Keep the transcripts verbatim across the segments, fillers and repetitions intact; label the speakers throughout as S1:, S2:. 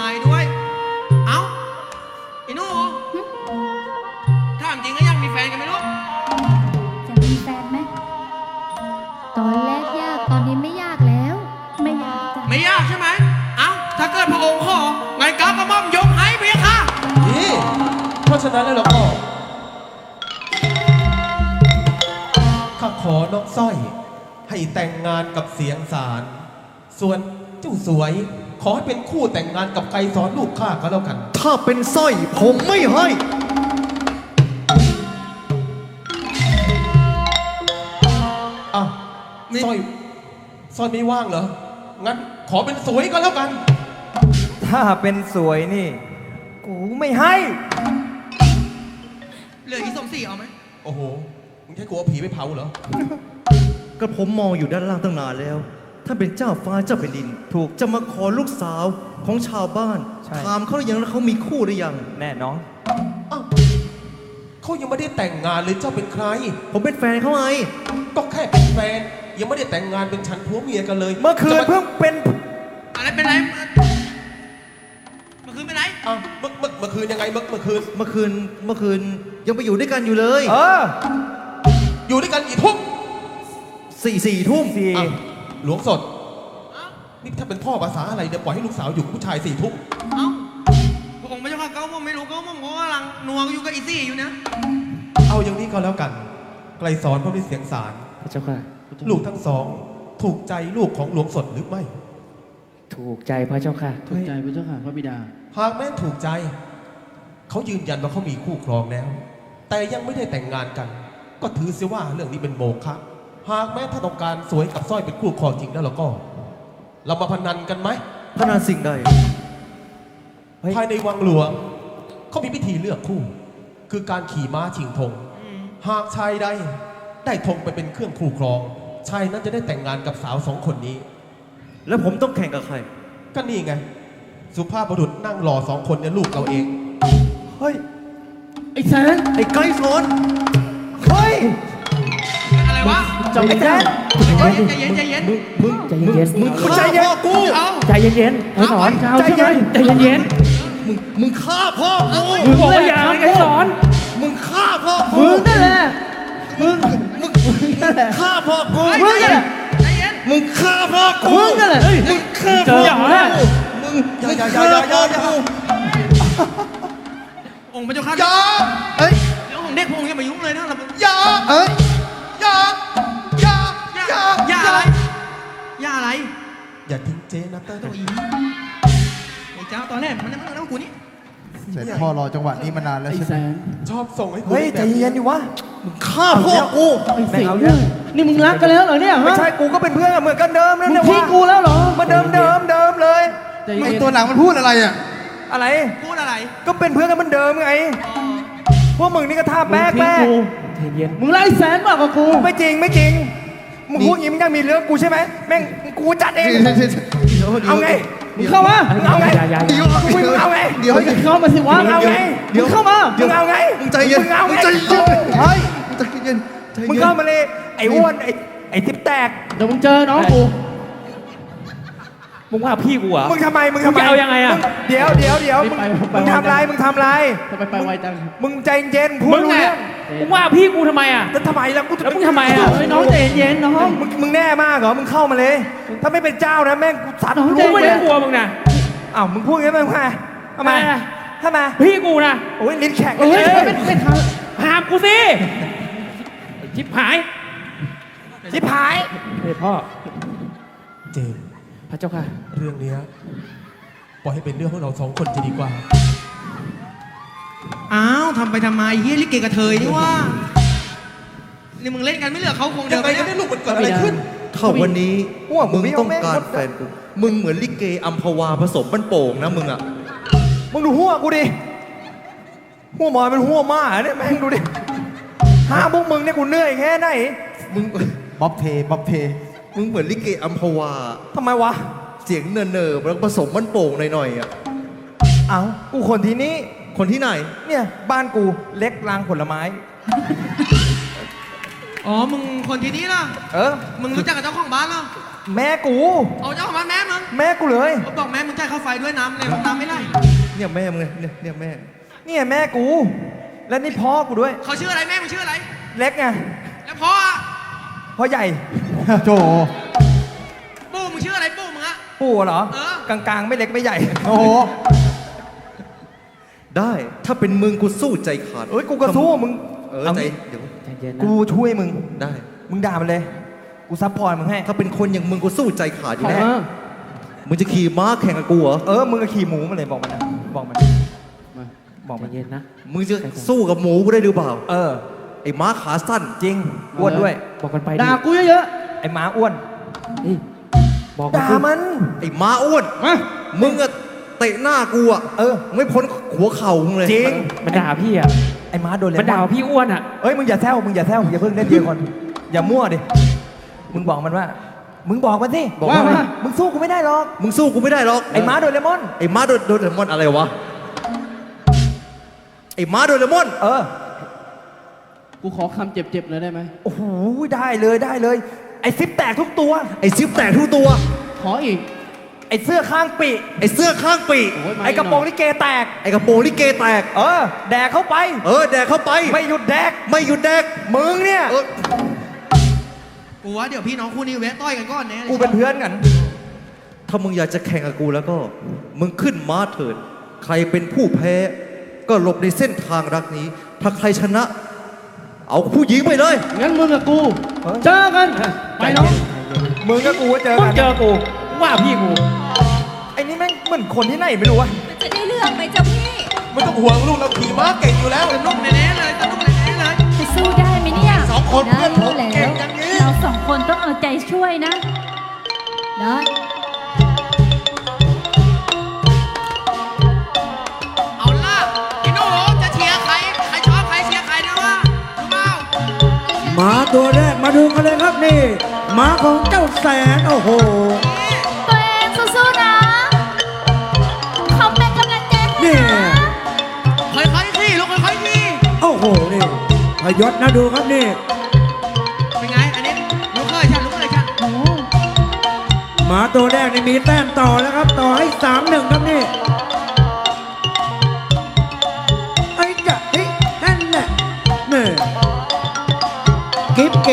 S1: ายด้วยเอ้าไอ้หนูถามจริงก็ยังมีแฟนกันไหมลูก
S2: จะมีแฟนไหมตอนแรกยากตอนนี้ไม่ยากแล้วไม่ยากจ้ะ
S1: ไม่ยากใช่ไหมเอ้าถ้าเกิดพระองค์ขอไงก้าวกระหม่อมยกให้เพียงค่ะ
S3: นี่เพราะฉะนั้นแล้วเราก็ข้าขอน้องสร้อยให้แต่งงานกับเสียงสารส่วนเจ้าสวยขอให้เป็นคู่แต่งงานกับไกรสอนลูกข้าก็แล้วกัน
S4: ถ้าเป็นสร้อยผมไม่ให้
S3: อ้าวสร้อยสร้อยไม่ว่างเหรองั้นขอเป็นสวยก็แล้วกัน
S4: ถ้าเป็นสวยนี่กูไม่ให้
S1: เหลืออีสมศรีเอาไหม
S3: โอ้โหมึงใช่กลัวผีไปเผาเหรอ
S4: ก็ผมมองอยู่ด้านล่างตั้งนานแล้วถ้าเป็นเจ้าฟ้าเจ้าแผ่นดินถูกจะมาขอลูกสาวของชาวบ้านถามเขาหรือยังแล้วเขามีคู่หรือยังแน่น้อง
S3: อ้าวเขายังไม่ได้แต่งงานเลยเจ้าเป็นใคร
S4: ผมเป็นแฟนเขาไง
S3: ก็แค่เป็นแฟนยังไม่ได้แต่งงานเป็นฉันผัวเมียกันเลย
S4: เมื่อคืนเพิ่งเป็น
S1: อะไรเป็นไรเมื่อคืนเป็นไร
S3: อ้าวเมื่อเมื่อเมื่อคืนยังไงเมื่อเมื่อคืน
S4: เมื่อคืนเมื่อคืนยังไปอยู่ด้วยกันอยู่เลย
S3: เอออยู่ด้วยกันกี่ทุ่ม
S4: สี่สี่ทุ่มสี่
S3: หลวงสดนี่ถ้าเป็นพ่อภาษาอะไรเนี่ยปล่อยให้ลูกสาวอยู่กับผู้ชายสี่ทุ่ม
S1: เอ้าพระองค์ไม่ใช่ข้าเก้าผมไม่รู้เก้าผมก็กำลังนัวอยู่กับอีซี่อยู่นะ
S3: เอาอย่างนี้ก็แล้วกันไกลสอนพระฤาษีเสียงสาร
S4: พระเจ้าค่ะ
S3: ลูกทั้งสองถูกใจลูกของหลวงสดหรือไม่
S4: ถูกใจพระเจ้าค่ะ
S5: ถูกใจพระเจ้าค่ะพระบิดา
S3: หากแม้ถูกใจเขายืนยันว่าเขามีคู่ครองแล้วแต่ยังไม่ได้แต่งงานกันก็ถือเสียว่าเรื่องนี้เป็นโมฆะหากแม้ถ้าต้องการสวยกับสร้อยเป็นคู่ครองจริงแล้วเราก็เรามาพนันกันไหม
S4: พนันสิ่งใด
S3: ภายในวังหลวงเขามีพิธีเลือกคู่คือการขี่ม้าชิงธงหากชายใดได้ธงไปเป็นเครื่องคู่ครองชายนั้นจะได้แต่งงานกับสาวสองคนนี้
S4: แล้วผมต้องแข่งกับใคร
S3: ก็นี่ไงสุภาพบุรุษนั่งรอสองคนเนี่ยลูกเราเอง
S4: เฮ้ย
S5: ไอ้แสน
S4: ไอ้ไกรสอนเฮ้ย
S1: อะไรวะ
S5: ใจเย็นใจ
S1: เย็นใจเย็น
S4: มึงใจเย็นมึง
S5: ใจเย็น
S4: กู
S5: ใจเย็นเย็นไอ้สอนใจเย็นใจเย็นเย็น
S4: มึงมึงฆ่าพ่อกู
S5: มึงบอกว่าอย่าไอ้สอน
S4: มึงฆ่าพ่อกู
S5: มึงนั่นแหละมึง
S4: มึงฆ่าพ่อกู
S5: มึงนั่นแหละ
S4: มึงฆ่าพ่อกู
S5: มึงนั่นแหละ
S4: มึงฆ่าพ่อกูมึง
S3: อย่าอย่าอย่าอย่าอย่าอย่า
S1: องค์พระเจ้าข้า
S3: อย่า
S1: เฮ้ยเดี๋ยวองค์เด็กพงอย่ามายุ่งเลยนะ
S3: อย่าเอ้ยอย่าอย่า
S1: อย่าอย่าอะไรอย่าอะไร
S3: อย่าทิ้งเจนะเตอร์ตัวอี
S1: ไอ้เจ้าตอนแรกมันนั่งนั่งกูนี่
S4: เสร็จพ่อรอจังหวะนี้มานานแล้วใช่ไหม
S3: ชอบส่งให้กู
S4: เฮ้ยใจเย็นดิวะมึงฆ่าพ่อกู
S5: ไอ้สิงนี่มึงรักกันแล้วเหรอเนี่ย
S4: ไม่ใช่กูก็เป็นเพื่อนเหมือนกันเดิมนั่นแหละ
S5: วะมึงทิ้งกูแล้วเหรอ
S4: มาเดิมเดิมเดิมเลยไอตัวหนังมันพูดอะไรอ่ะอะไร
S1: พูดอะไร
S4: ก็เป็นเพื่อนกันเหมือนเดิมไงพวกมึงนี่ก็ท่าแป๊กแป๊ก
S5: เย็นมึงไล่แสนมากกว่ากู
S4: ไม่จริงไม่จริงมึงพูดอย่างนี้มึงยังมีเรื่องกูใช่ไหมแม่งกูจัดเองเอาไง
S5: มึงเข้ามา
S4: เอาไงเดี๋ยวมึงเอาไง
S5: เดี๋ยวเข้ามาสิวะ
S4: เอาไง
S5: เดี๋ยวเข้ามา
S4: มึงเอาไง
S5: มึง
S4: ใจเย็น
S5: มึงเอา
S4: ไงใจเย็นเฮ้ยใจเย็นมึงเข้ามาเลยไอ้อ้วนไอ้ไอ้ทิปแตก
S5: เดี๋ยวมึงเจอน้องกู
S4: มึงว่าพี่กูอ่ะมึงทำไมมึงทำไม
S5: เอายังไงอ่ะ
S4: เดี๋ยวเดี๋ยวเดี๋ยวมึงทำไรมึงทำไร
S5: ทำไมไปไวจัง
S4: มึงใจเย็นพูดรู้เรื่อง
S5: มึงว่าพี่กูทำไมอ่ะ
S4: แล้วทำไมล่ะกู
S5: แล้วมึงทำไมอ่ะน้องใจเย็นน้อง
S4: มึงมึงแน่มากเหรอมึงเข้ามาเลยถ้าไม่เป็นเจ้านะแม่งกูสัตว์
S5: รู้ไม่ได้กลัวมึงนะ
S4: อ้าวมึงพูดงั้นมึงไงทำไมทำไม
S5: พี่กูนะ
S4: โอ้ยลิ้นแข็ง
S5: เลยไม่ทำห้ามกูสิชิบหาย
S4: ชิบหาย
S5: เฮ้ยพ่อ
S3: เจม
S5: พระเจ้าค่ะ
S3: เรื่องนี้ปล่อยให้เป็นเรื่องของเราสองคนจะดีกว่า
S1: อ้าวทำไปทำไมเฮียลิเกกระเทยนี่ว่านี่มึงเล่นกันไม่เหลือเขาคงเดิ
S3: นไปยังไงลูกมันเกิดอะไรขึ้น
S4: เท่าวันนี้ว่ามึงต้องการแฟนกูมึงเหมือนลิเกอัมพวาผสมบ้านโป่งนะมึงอ่ะมึงดูหัวกูดิหัวหมอยเป็นหัวม้าเนี่ยแม่งดูดิห้าพวกมึงเนี่ยกูเหนื่อยแค่ไหนมึงบ๊อบเทบ๊อบเทมึงเหมือนลิเกอัมพวาทำไมวะเสียงเนินเนิบแล้วผสมมันโป่งหน่อยๆอ่ะเอ้ากูคนที่นี่คนที่ไหนเนี่ยบ้านกูเล็กรางผลไม้
S1: อ๋อ มึงคนที่นี้เหรอ
S4: เออ
S1: มึงรู้จักกับเจ้าของบ้านเหรอ
S4: แม่กู
S1: เอาเจ้าของบ้านแม่มึง
S4: แม่กูเลย
S1: เขาบอกแม่มึงจ่ายค่าไฟด้วยน้ำเลยน้ำไม่ไหล
S4: เนี่ยแม่มึงเนี่ยเนี่ยแม่ เนี่ยแม่กู และนี่พ่อกูด้วย
S1: เขาชื่ออะไรแม่มึงชื่ออะไร
S4: เล็กไง
S1: แล้วพ่ออะ
S4: พ่อใหญ่ โจ
S1: ปู่มึงชื่ออะไรปู่มึงอะ
S4: ปู่เหรอ
S1: เออ
S4: กลางๆ ไม่เล็กไม่ใหญ่ โอ้โห ได้ถ้าเป็นมึงกูสู้ใจขาดเอ้ยกูก็สู้มึงเออใจเดี๋ยว
S5: ใจเย็นนะ
S4: กูช่วยมึง
S3: ได้
S4: มึงด่ามันเลย กูซัพพอร์ตมึงให้
S3: ถ้าเป็นคนอย่างมึงกูสู้ใจขาดอยู่
S5: เอ
S3: แน่
S5: อ
S3: มึงจะขี่ม้าแข่งกับกูเหรอ
S4: เออ มึงก็ขี่หมูมาเลยบอกมันนะบอกมัน
S5: มา
S4: บอกมัน
S5: ใจเย็นนะ
S3: มึงจะสู้กับหมูกูได้หรือเปล่า
S4: เออ
S3: ไอ้ม้าขาสั้น
S4: จริง อ้วนด้วย
S5: บอกกันไป
S6: ด่ากูเยอะ
S4: ไอ้หมาอ้วน
S5: นี่บอก
S4: ด่ามัน
S3: ไอ้ม้าอ้วน
S6: ๆมา
S3: มึงอะเตะหน้ากูอะ
S4: เออ
S3: ไม่พ้นหัวเข่ามึงเลย
S4: จริง
S5: มันด่าพี่อ่ะ
S4: ไอ้หมาโดนเลย
S5: มันด่าพี่อ้วนอ่ะ
S4: เอ้ย มึงอย่าแซวมึงอย่าแซวอย่าเพิ่งเล่นเดียวก่อนอย่ามั่วดิ มึงบอกมันว่า มึงบอกมันสิ
S6: บอกว่า
S4: มึงสู้กูไม่ได้หรอก
S3: มึงสู้กูไม่ได้หรอก
S4: ไอ้หมาโดนเลมอน
S3: ไอ้ม้าโดนโดนเลมอนอะไรวะ ไอ้ม้าโดนเลมอน
S4: เออ
S6: กูขอคำเจ็บๆเลยได้ไหม
S4: โอ้โห ได้เลยได้เลย ไอ้ซิปแตกทุกตัว
S3: ไอ้ซิปแตกทุกตัว
S6: ขออีก
S4: ไอ้เสื้อข้างปีก
S3: ไอ้เสื้อข้างปีก
S6: โอ้ยมา
S4: ไอ้กระโปรงลิเกแตก
S3: ไอ้กระโปรงลิเกแตก
S4: เออ แดกเข้าไป
S3: เออแดกเข้าไป
S4: ไม่หยุดแดก
S3: ไม่หยุดแดก
S4: มึงเนี่ย
S3: เออ
S1: กูว่าเดี๋ยวพี่น้องคู่นี้แวะต้อยกันก่อนแน่
S4: กูเป็นเพื่อนกัน
S3: ถ้ามึงอยากจะแข่งกับกูแล้วก็ มึงขึ้นม้าเถิด ใครเป็นผู้แพ้ ก็หลบในเส้นทางรักนี้ ถ้าใครชนะ เอาผู้หญิงไปเลย
S6: งั้นมึงกับกู
S4: เออ
S6: เจอกัน ไปน้อง
S4: มึงกับกูเจอ
S5: มึ
S4: กั
S5: ง
S4: น
S5: เจอกูว่าพี่กู
S4: ไอ้นี่แม่งเหมือนคนที่ไหนไม่รู้วะ
S2: มันจะได้เรื่องไหมเจ้าพี่
S3: ไม่ต้องห่วงลูกเราขี่ม้าเก่งอยู่แล้ว
S1: สนุกแน่ๆเลยสนุกแน่ๆเลย
S2: จะสู้ได้ไหมเนี่ย
S3: สองคน
S2: ได้
S3: เพื่อนผม
S2: แล้ว
S3: เก่งอย่างนี้
S2: เราสองคนต้องเอาใจช่วยนะ ได้
S1: เอาล่ะพี่หนูจะเชียร์ใคร ใครชอบใครเชียร์ใครด้วยวะรู้เปล่า
S6: หมาตัวแรกมาดูกันเลยครับนี่หมาของเจ้าแสน โอ้โห
S2: ตัวเองสู้ๆนะเขาเป็นกำลังใจให้
S6: นี่
S2: นะ
S1: ค่อยๆขี่ลูกค่อยๆขี่
S6: โอ้โห นี่พยศนะดูครับนี่
S1: เป็นไง อันนี้ลูกเคยฉันลูกเคยฉัน
S2: โอ้
S6: หมาตัวแรกนี่มีแต้มต่อแล้วครับ ต่อให้สามหนึ่งครับนี่ไอ้จะเฮ้ยนั่นแหละนี่กิ๊บเก๋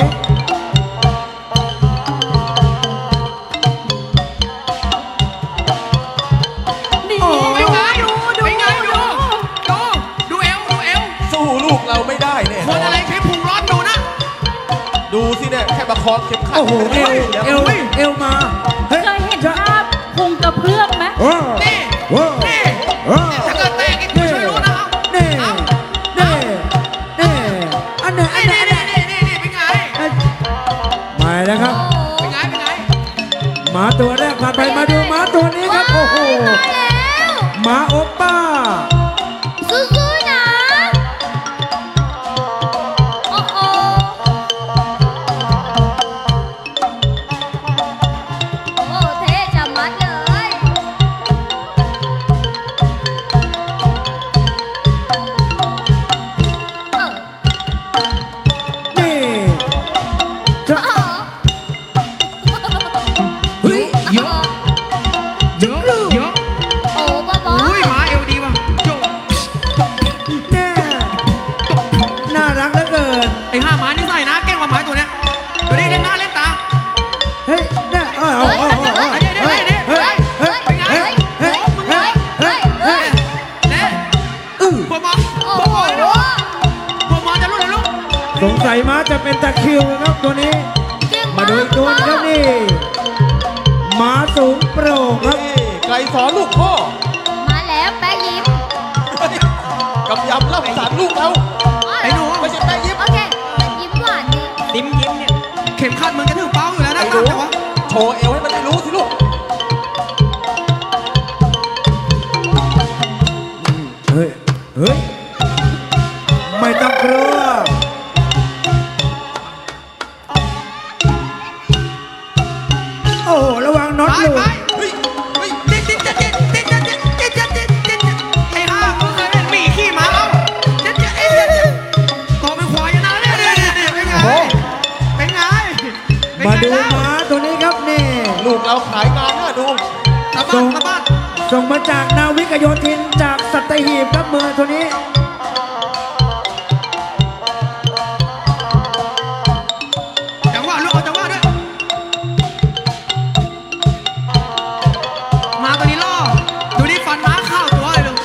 S2: นี่
S1: เป็นไง
S2: ดูดู
S1: เป็นไงดู ดู ดูเอว ดูเอว
S3: สู้ลูกเราไม่ได้เนี่ย
S1: คนอะไรใช้พุงร้อนดูนะ
S3: ดูสิเนี่ยแค่ประคองเข็มขัด
S6: โอ้โห เอว
S3: แล้ว
S6: เอวเอวมาเฮ้ย
S2: เคยเห็นภาพพุงกระเพื่อมไหม
S6: โอ้
S1: นี่
S6: โอ้
S1: นี่
S6: โอ้
S1: ถ้าเกิดแตกอีกกูช่วยรู้นะ
S6: นี่
S1: เอา
S6: นี่นี่อันไหนอันไหน
S1: นี่
S6: อันไหน
S1: นี่นี่นี่เป็นไง
S6: มาแล้วครับ
S1: เป็นไง เป็นไง
S6: หมาตัวแรกผ่านไปมาดูหมาตัวนี้ครับ โอ้โห
S2: ตายแล้ว
S6: หมาโอปป้า
S2: สู้ๆนะ โอ้โหโอ้เท่จะมัดเลย เออ
S6: นี่จะ
S2: เออ
S6: เฮ้ย
S1: เยอะ เยอะ เยอะ
S2: โอ้บ้าบอ
S1: อุ้ยหมาเอวดีว่ะโจ
S6: แน่น่ารักเหลือเกิน
S1: ไอ้ห้าหมานี่ใส่นะเก่งกว่าหมาตัวเนี้ยตัวนี้เล่นหน้าเล่นตา
S6: เฮ้ยแน่เอาเอาเอาเอาเอา
S1: เฮ้ยเดี๋ยวเดี๋ยวเดี๋ยว
S6: เฮ้ยเฮ้ย
S1: เป็นไง
S6: เฮ้ยเฮ้ยเฮ้ยเฮ้ยเฮ้ย
S1: เน่
S6: อื้อ
S1: บัวมอง
S2: โอ้
S1: บัว
S2: โห
S1: มองเลยลูกบัวมองจะลูกเลยลูก
S6: สงสัยม้าจะเป็นตะคริวนะครับตัวนี้
S2: เก่ง
S6: มาดูอีกตัวนึงครับนี่หมาสูงโปร่งครับ
S3: นี่ไกลสอนลูกพ่อ
S2: มาแล้วแป๊ะยิ้ม
S3: กำยำเล่าสารลูกเรา
S1: ไอ้หนู
S3: ไม่ใช่แม่ยิ้ม
S2: โอเคมันยิ้มหวานดี
S1: ยิ้มยิ้มเนี่ยเข็มขัดมึงจะถึงเป้าอยู่แล้วนะ
S3: ไอ้หนู
S1: แต่ว่า
S3: โชว์เอวให้มันได้รู้สิลูก
S6: เฮ้ย เฮ้ย ไม่ต้องกลัว โอ้โห ระวังน็อต
S1: ไป
S6: หลุ
S1: ไป
S6: ด
S1: เฮ้ยเฮ้ยติ๊กติ๊กติ๊กติ๊กติ๊กติ๊ก
S6: ส่งมาจากนาวิกโยธินจากสัตหีบครับเมืองตัวนี้
S1: จังหวะลูกเอาจังหวะด้วยมาตัวนี้ล่อดูนี่ฟันม้าเข้าตัวเลยลูก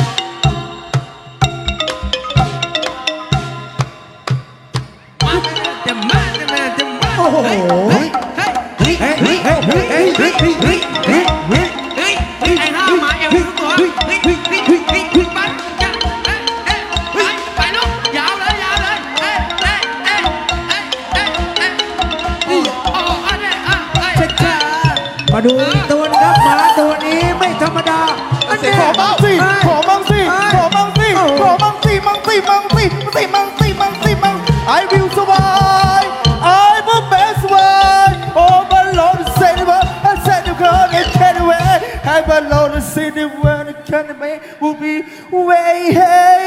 S1: มาเต็มมาเต็มมาเต็มมา
S6: โอ้โห
S1: เฮ้ยเฮ้ยเฮ้ย
S6: เฮ้ยเฮ้ยเฮ้ยเฮ้ยเฮ้ยเฮ้ยเฮ้ยเฮ้ยเฮ้ยเฮ้ย
S1: เฮ้ยเฮ้ยไอ้ห้ามาเอวทุกตัวเฮ้ยเฮ้ยเฮ้ยเฮ้ยเฮ้ยเฮ้ยไปจ้ะเฮ้ยเฮ้ยไปไปลูกยาวเลยยาวเลยเฮ้ยเฮ้ยเฮ้ยเฮ้ยเฮ้ยเฮ้ยโอ้โอ้อันนี้อ่ะเฮ้ย
S6: ช้าๆมาดูอีกตัวนะครับหมาตัวนี้ไม่ธรรมดาอันนี้
S4: ขอบ้างสิขอบ้างสิขอบ้างสิขอบ้างสิมังสิมังสิสิมังสิมังสิมัง I will survive I'm the best one Oh my Lord say the word I said the God I can't wait I my Lord say the word I can't wait will be way hey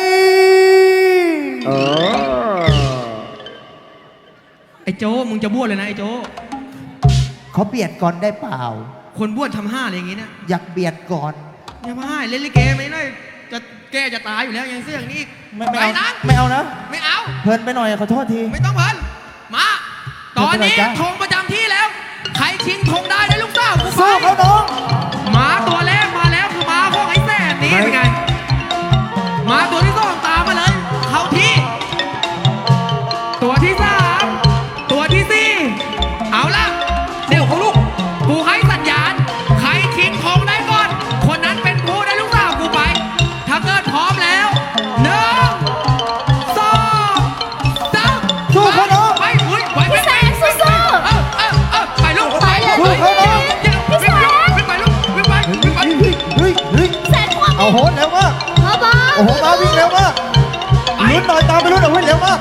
S1: ไอ้โจมึงจะบ้วนเลยนะไอ้โจ
S7: เขาเบียดก่อนได้เปล่า
S1: คนบ้วนทำห้าอะไรอย่างงี้นะ
S7: อยากเบียดก่อน
S1: อย่ามาให้เล่นลิเกไม่ได้จะแกจะตายอยู่แล้วยังเสื้ออย่างนี้อีก
S7: ไม่ไม่
S1: ไป
S7: เอา
S1: นะ
S7: ไม่เอานะ
S1: ไม่เอา
S7: เพลินไปหน่อยขอโทษที
S1: ไม่ต้องเพิ่นมา ตอนนี้
S7: ไม่เป็นไรจ้ะ
S1: ธงประจำที่แล้ว ใครชิงธงได้ได้ลูกสาวกูไป
S7: สู้เขาน้อง
S1: หมาตัวแรกมาแล้วคือหมาพวกไอ้แสนนี่เป็นไงหมาตัวที่สองตามมาเลย เข้าที่ ตัวที่สามตัวที่สี่เอาละเดี๋ยวเขาลูกกูให้สัญญาณ ใครชิงธงได้ก่อน คนนั้นเป็นผู้ได้ลูกสาวกูไป ถ้าเกิดพร้อมแล้วหนึ่งสองสาม
S7: สู้เขาน้อง
S1: ไปอุ้ยไปไป
S2: พี่แสงสู้
S1: เออเออเออไปลูก
S2: ไปเลย
S1: ไป
S7: สู้เขาน้อง
S1: วิ่งไปลูกวิ่งไปวิ่งไปวิ่งไป
S7: เฮ้ยเฮ้ยเฮ้ย
S2: แสนความ
S7: เอาโหนเร็วมาก
S2: พ่อบอ
S7: โอ้โหมาวิ่งเร็วมาก
S1: ไป
S7: ลุ้นหน่อยตามไปลุ้นเอาไว้เร็วมาก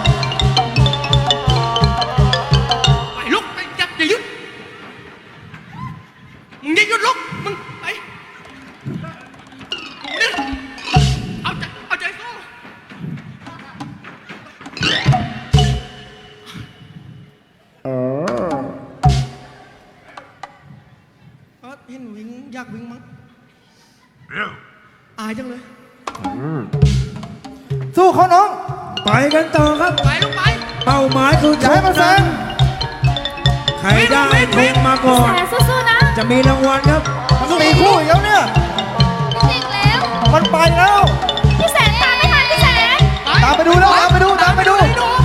S1: ไปลูกไปอย่าอย่าหยุดมึงอย่าหยุดลูกมึงไปนี่เอาใจเอาใจสู้เออเห็นวิ่งอยากวิ่งมั้งอายจังเลย
S7: สู้เขาน้อง
S6: ไปกันต่อครับ
S1: ไปลูกไป
S6: เป้าหมายคือ
S7: อย่าให้มันแซง
S6: ใครได้ธงมาก่อน
S2: แสนสู้ๆนะ
S6: จะมีรางวัลครับ
S7: มันมีคู่อีกแล้วเนี่ย
S2: จริงแล้ว
S7: มันไปแล้ว
S2: พี่แสนตามไม่ทันพี่แสน
S7: ตามไปดูแล้วตามไปดูตามไปดู
S1: ไปดู